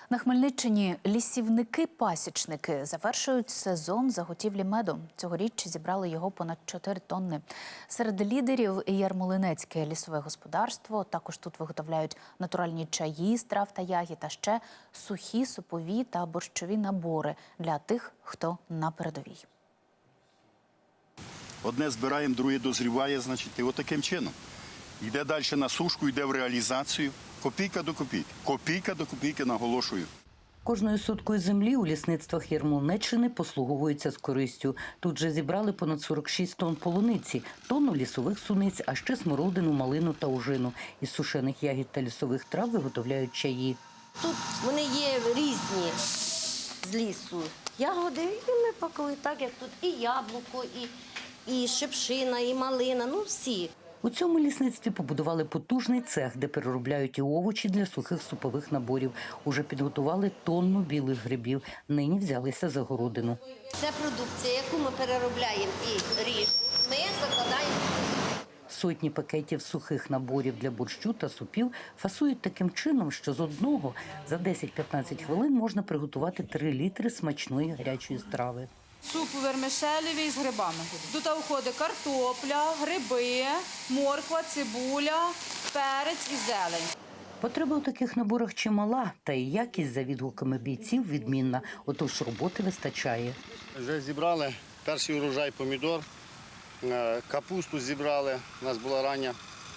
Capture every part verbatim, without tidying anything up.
На Хмельниччині лісівники-пасічники завершують сезон заготівлі меду. Цьогоріч зібрали його понад чотири тонни. Серед лідерів Ярмолинецьке лісове господарство. Також тут виготовляють натуральні чаї з трав та ягід, а ще сухі, супові та борщові набори для тих, хто на передовій. Одне збираємо, друге дозріває, значить, і отаким чином. Йде далі на сушку, йде в реалізацію. Копійка до копійки. Копійка до копійки, наголошую. Кожною соткою землі у лісництвах Ярмолинеччини послуговуються з користю. Тут же зібрали понад сорок шість тонн полуниці, тонну лісових суниць, а ще смородину, малину та ожину. Із сушених ягід та лісових трав виготовляють чаї. Тут вони є різні з лісу ягоди, і ми пакуємо так, як тут і яблуко, і, і шипшина, і малина, ну всі. У цьому лісництві побудували потужний цех, де переробляють і овочі для сухих супових наборів. Уже підготували тонну білих грибів. Нині взялися за городину. Це продукція, яку ми переробляємо і ріжемо, ми закладаємо. Сотні пакетів сухих наборів для борщу та супів фасують таким чином, що з одного за десять-п'ятнадцять хвилин можна приготувати три літри смачної гарячої страви. Суп вермишелевий з грибами. Тут входить картопля, гриби, морква, цибуля, перець і зелень. Потреба у таких наборах чимала, та і якість, за відгуками бійців, відмінна. Отож роботи вистачає. Вже зібрали перший урожай помідор, капусту зібрали, у нас була рання.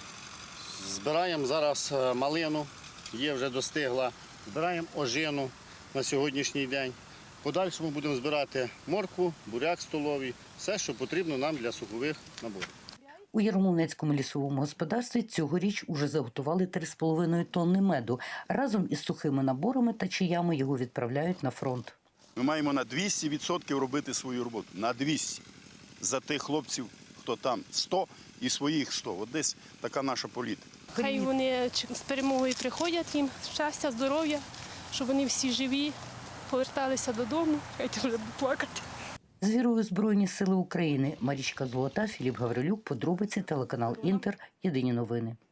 Збираємо зараз малину, є вже достигла. Збираємо ожину на сьогоднішній день. В подальшому будемо збирати моркву, буряк столовий, все, що потрібно нам для сухових наборів. У Ярмолинецькому лісовому господарстві цьогоріч уже заготували три з половиною тонни меду. Разом із сухими наборами та чаями його відправляють на фронт. Ми маємо на двісті відсотків робити свою роботу. На двісті. За тих хлопців, хто там, сто і своїх сто. От десь така наша політика. Хай вони з перемогою приходять, їм щастя, здоров'я, щоб вони всі живі, поверталися додому, хай вже плакати. З вірою Збройні сили України. Марічка Золота, Філіп Гаврилюк, подробиці, телеканал Інтер, Єдині новини.